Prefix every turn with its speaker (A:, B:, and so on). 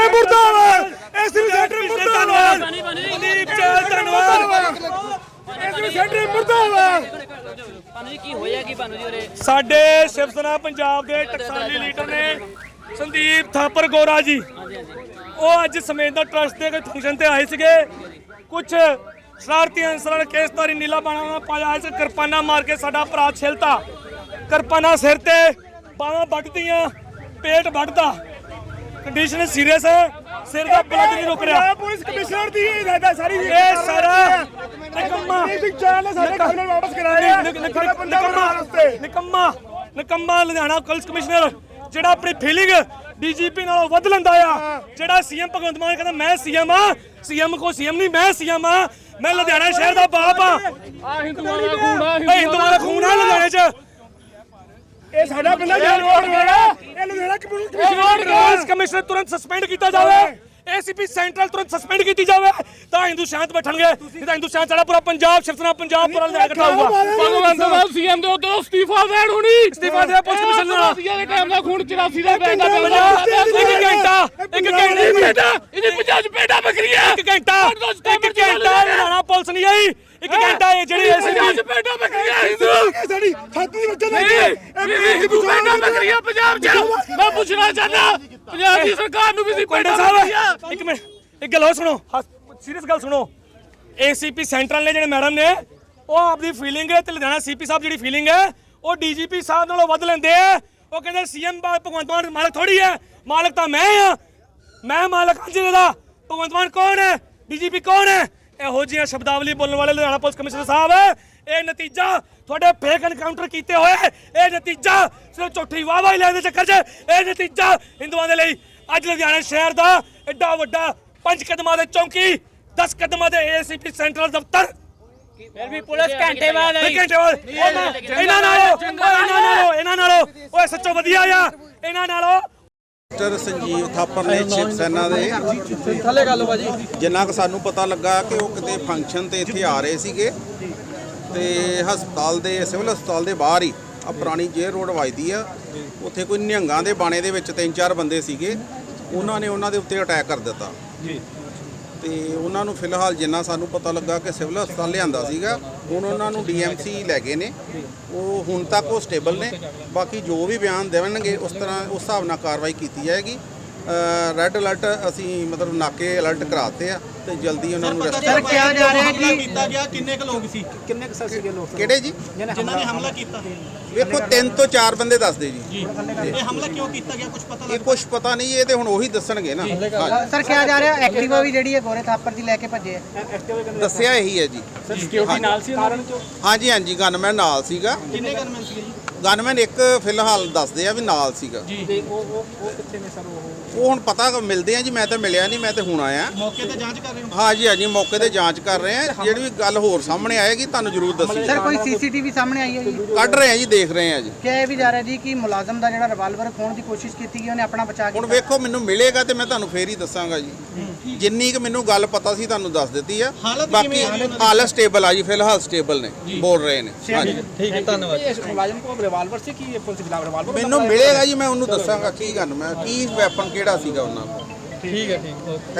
A: Centre ਮੁਰਦਾਬਾਦ, SP centre ਮੁਰਦਾਬਾਦ, ਮਨਦੀਪ ਚਾਲ ਧੰਨਵਾਦ, ਐਸਪੀ ਸੈਂਟਰ ਮੁਰਦਾਬਾਦ।
B: ਕੀ ਹੋਇਆ ਕੀ ਬਾਨੂ ਜੀ ਉਰੇ?
A: ਸਾਡੇ ਸ਼ਿਵ ਸੈਨਾ ਪੰਜਾਬ ਦੇ ਟਕਸਾਲੀ ਲੀਡਰ ਨੇ ਸੰਦੀਪ ਥਾਪਰ ਗੋਰਾ ਜੀ, ਉਹ ਅੱਜ ਸਮੇਤ ਟਰਸਟ ਦੇ ਕੋਈ ਫੰਕਸ਼ਨ ਤੇ ਆਏ ਸੀਗੇ। ਕੁਝ ਸ਼ਰਾਰਤੀ ਅਨਸਰਾਂ ਨੇ ਕੇਸਤਾਰੀ ਨੀਲਾ ਬਾਣਾ ਪਾਇਆ ਇਸ ਕਿਰਪਾਨਾ ਮਾਰ ਕੇ ਸਾਡਾ ਭਰਾ ਛਿਲਤਾ, ਕਿਰਪਾਨਾ ਸਿਰ ਤੇ, ਬਾਹਾਂ ਵੱਢਦੀਆਂ, ਪੇਟ ਵੱਢਦਾ, ਕੰਡੀਸ਼ਨ ਸੀਰੀਅਸ ਹੈ, ਸਿਰ ਦਾ ਬਲੱਡ ਨਹੀਂ ਰੁਕ ਰਿਹਾ। ਪੁਲਿਸ ਕਮਿਸ਼ਨਰ ਦੀ ਹਦਾਇਤ ਸਾਰੀ ਇਹ ਸਾਰਾ ਨਿਕੰਮਾ ਚਾਲ ਸਾਡੇ ਘਰ ਨੂੰ ਵਾਪਸ ਕਰਾਇਆ। ਨਿਕੰਮਾ ਲੁਧਿਆਣਾ ਪੁਲਿਸ ਕਮਿਸ਼ਨਰ ਜਿਹੜਾ ਆਪਣੀ ਫੀਲਿੰਗ ਡੀਜੀਪੀ ਨਾਲੋਂ ਵੱਧ ਲੈਂਦਾ ਆ। ਜਿਹੜਾ ਸੀਐਮ ਭਗਵੰਤ ਮਾਨ ਕਹਿੰਦਾ ਮੈਂ ਸੀਐਮ ਆ, ਸੀਐਮ ਕੋ ਸੀਐਮ ਨਹੀਂ, ਮੈਂ ਸੀਐਮ ਆ, ਮੈਂ ਲੁਧਿਆਣਾ ਸ਼ਹਿਰ ਦਾ ਬਾਪ ਆ। ਹਿੰਦੂਆਂ ਦਾ ਖੂਨ ਆ ਲੁਧਿਆਣੇ 'ਚ। ਇਹ ਸਾਡਾ ਬੰਦਾ ਜੇਲ੍ਹ ਵੜ ਗਿਆ। ਇਹ ਲੁਧਿਆਣਾ ਪੁਲਿਸ ਕਮਿਸ਼ਨਰ ਤੁਰੰਤ ਸਸਪੈਂਡ ਕੀਤਾ ਜਾਵੇ, एसीपी सेंट्रल तुरंत सस्पेंड की जाए तो हिंदू शांत बैठणगे, नहीं तो हिंदू शांत पूरा पंजाब शिव सेना पंजाब पूरा लड़ा इकट्ठा होगा।
C: भगवंत मान सीएम दे उतो इस्तीफा देण हुणी,
A: इस्तीफा दे पुलिस कमिश्नर
C: दे टाइम दा खून 84 दा बैठा
A: एक घंटा
C: इदी 50 पेटा बकरियां
A: एक घंटा लुधियाना पुलिस नहीं आई। एक घंटा ये जेडी एसीपी
C: पेटा बकरियां हिंदू
A: साडी छाती बच्चे
C: हिंदू पेटा बकरियां पंजाब च। मैं पूछना चाहना पंजाब दी सरकार नु भी पेटा बकरियां।
A: एक मिनट एक गल सुनो, सीरियस गल सुनो। एसीपी सेंट्रल ने जेडे मैडम ने वो आपकी फीलिंग है, लुधियाना सीपी साहब जी फीलिंग है वो डीजीपी साहब नालों वध लेंदे है। वो कहते सीएम भगवंत मान मालिक थोड़ी है, मालिक तो मैं हाँ, मैं मालिक हाँ जिले का। भगवंत मान कौन है, डीजीपी कौन है? ਇਹੋ ਜਿਹੀਆਂ ਸ਼ਬਦਾਵਲੀ ਬੋਲਣ ਵਾਲੇ ਲੁਧਿਆਣਾ ਪੁਲਿਸ ਕਮਿਸ਼ਨਰ ਸਾਹਿਬ, ਇਹ ਨਤੀਜਾ ਤੁਹਾਡੇ ਫੇਕ ਐਨਕਾਊਂਟਰ ਕੀਤੇ ਹੋਏ, ਇਹ ਨਤੀਜਾ ਸਿਰਫ ਝੂਠੀ ਵਾਹਵਾਹੀ ਲੈਣ ਦੇ ਚੱਕਰ 'ਚ, ਇਹ ਨਤੀਜਾ ਹਿੰਦੂਆਂ ਦੇ ਲਈ ਅੱਜ ਲੁਧਿਆਣਾ ਸ਼ਹਿਰ ਦਾ ਐਡਾ ਵੱਡਾ 5 ਕਦਮਾਂ ਦੇ ਚੌਂਕੀ, 10 ਕਦਮਾਂ ਦੇ ਏਸੀਪੀ ਸੈਂਟਰਲ ਦਫ਼ਤਰ,
B: ਫਿਰ ਵੀ ਪੁਲਿਸ ਘੰਟੇ ਬਾਅਦ
A: ਇਹਨਾਂ ਨਾਲੋਂ ਉਹ ਸੱਚੋ ਵਧੀਆ ਆ ਇਹਨਾਂ ਨਾਲੋਂ।
D: संजीव थापर ने शिव सेना जिन्ना क सानू पता लगा कि वो किते फंक्शन ते इत्थे आ रहे सीगे ते हस्पताल दे सिविल हस्पताल दे बाहर ही आ पुरानी जेल रोड वजदी आ, उत्थे कोई निहंगां दे बाणे दे विच 3-4 बंदे सीगे, उन्हां ने उन्हां दे उत्ते अटैक कर दिता ते उन्हां नूं फिलहाल जिन्ना सानू पता लगा कि सिविल हस्पताल लिआंदा सीगा, हुण उन्हां नूं डीएमसी लै गए ने, वो हुण तक वो स्टेबल ने। बाकी जो भी बयान देवणगे उस तरह उस हिसाब नाल कार्रवाई की जाएगी। रैड अलर्ट असी मतलब नाके अलर्ट कराते हैं तो जल्दी उन्होंने
E: सर क्या जा रहा है कि ਕੀਤਾ ਗਿਆ ਕਿੰਨੇ ਕ ਲੋਕ ਸੀ, ਕਿੰਨੇ ਕ ਸਰ ਸੀਗੇ ਲੋਕ
D: ਕਿਹੜੇ ਜੀ
E: ਜਿਨ੍ਹਾਂ ਨੇ ਹਮਲਾ ਕੀਤਾ?
D: ਵੇਖੋ 3 ਤੋਂ 4 ਬੰਦੇ ਦੱਸਦੇ ਜੀ।
E: ਇਹ ਹਮਲਾ ਕਿਉਂ ਕੀਤਾ ਗਿਆ ਕੁਝ ਪਤਾ
D: ਇਹ ਕੁਝ ਪਤਾ ਨਹੀਂ, ਇਹ ਤੇ ਹੁਣ ਉਹੀ ਦੱਸਣਗੇ ਨਾ।
F: ਸਰ ਕਿਹਾ ਜਾ ਰਿਹਾ ਐਕਟਿਵਾ ਵੀ ਜਿਹੜੀ ਹੈ ਗੋਰੇ ਥਾਪਰ ਦੀ ਲੈ ਕੇ ਭੱਜੇ ਆ,
D: ਦੱਸਿਆ ਇਹੀ ਹੈ ਜੀ।
E: ਸਰ ਸਿਕਿਉਰਿਟੀ ਨਾਲ ਸੀ ਉਹਨਾਂ ਦੇ?
D: ਹਾਂਜੀ ਹਾਂਜੀ ਗਨਮੈਨ ਨਾਲ ਸੀਗਾ।
E: ਕਿੰਨੇ ਗਨਮੈਨ ਸੀਗੇ ਜੀ?
D: ਗਨਮੈਨ ਇੱਕ ਫਿਲਹਾਲ ਦੱਸਦੇ ਆ ਵੀ ਨਾਲ ਸੀਗਾ
E: ਜੀ। ਤੇ ਉਹ ਕਿੱਥੇ ਨੇ ਸਰ?
D: ਉਹ ਹੁਣ ਪਤਾ ਮਿਲਦੇ ਆ ਜੀ, ਮੈਂ ਤਾਂ ਮਿਲਿਆ ਨਹੀਂ, ਮੈਂ ਤਾਂ ਹੁਣ ਆਇਆ।
E: ਮੌਕੇ ਤੇ ਜਾਂਚ ਕਰ ਰਹੇ ਹੋ?
D: ਹਾਂਜੀ ਹਾਂਜੀ ਮੌਕੇ ਤੇ ਜਾਂਚ ਕਰ ਰਹੇ ਆ, ਜਿਹੜੀ ਵੀ ਗੱਲ ਹੋਰ ਸਾਹਮਣੇ ਆਏਗੀ ਤੁਹਾਨੂੰ ਜ਼ਰੂਰ ਦੱਸੀ।
F: ਸਰ ਕੋਈ ਸੀਸੀਟੀਵੀ ਸਾਹਮਣੇ ਆਈ ਹੈ ਜੀ?
D: ਕੱਢ ਰਹੇ ਆ ਜੀ, ਦੇਖ ਰਹੇ ਆ ਜੀ।
F: ਕਿਹਾ ਇਹ ਵੀ ਜਾ ਰਿਹਾ ਜੀ ਕਿ ਮੁਲਾਜ਼ਮ ਦਾ ਜਿਹੜਾ ਰਿਵਾਲਵਰ ਖੋਣ ਦੀ ਕੋਸ਼ਿਸ਼ ਕੀਤੀ ਗਈ, ਉਹਨੇ ਆਪਣਾ ਬਚਾ
D: ਹੁਣ
F: ਕੀਤਾ।
D: ਵੇਖੋ ਮੈਨੂੰ ਮਿਲੇਗਾ ਤੇ ਮੈਂ ਤੁਹਾਨੂੰ ਫੇਰ ਹੀ ਦੱਸਾਂਗਾ ਜੀ, ਜਿੰਨੀ ਕਿ ਮੈਨੂੰ ਗੱਲ ਪਤਾ ਸੀ ਤੁਹਾਨੂੰ ਦੱਸ ਦਿੱਤੀ ਆ। ਬਾਕੀ ਹਾਲਤ ਸਟੇਬਲ ਆ ਜੀ, ਫਿਲਹਾਲ ਸਟੇਬਲ ਨੇ, ਬੋਲ ਰਹੇ ਨੇ। ਹਾਂਜੀ
E: ਠੀਕ ਹੈ, ਧੰਨਵਾਦ। ਇਹ ਮੁਲਾਜ਼ਮ ਕੋਲ ਰਿਵਾਲਵਰ ਸੀ ਕਿ ਪੁਲਿਸ ਖਿਲਾਫ ਰਿਵਾਲਵਰ?
D: ਮੈਨੂੰ ਮਿਲੇਗਾ ਜੀ, ਮੈਂ ਉਹਨੂੰ ਦੱਸਾਂਗਾ ਕੀ ਗੱਲ, ਮੈਂ ਕੀ ਵੈਪਨ ਕਿਹੜਾ ਸੀਗਾ ਉਹਨਾਂ ਕੋਲ।
E: ਠੀਕ ਹੈ, ਠੀਕ।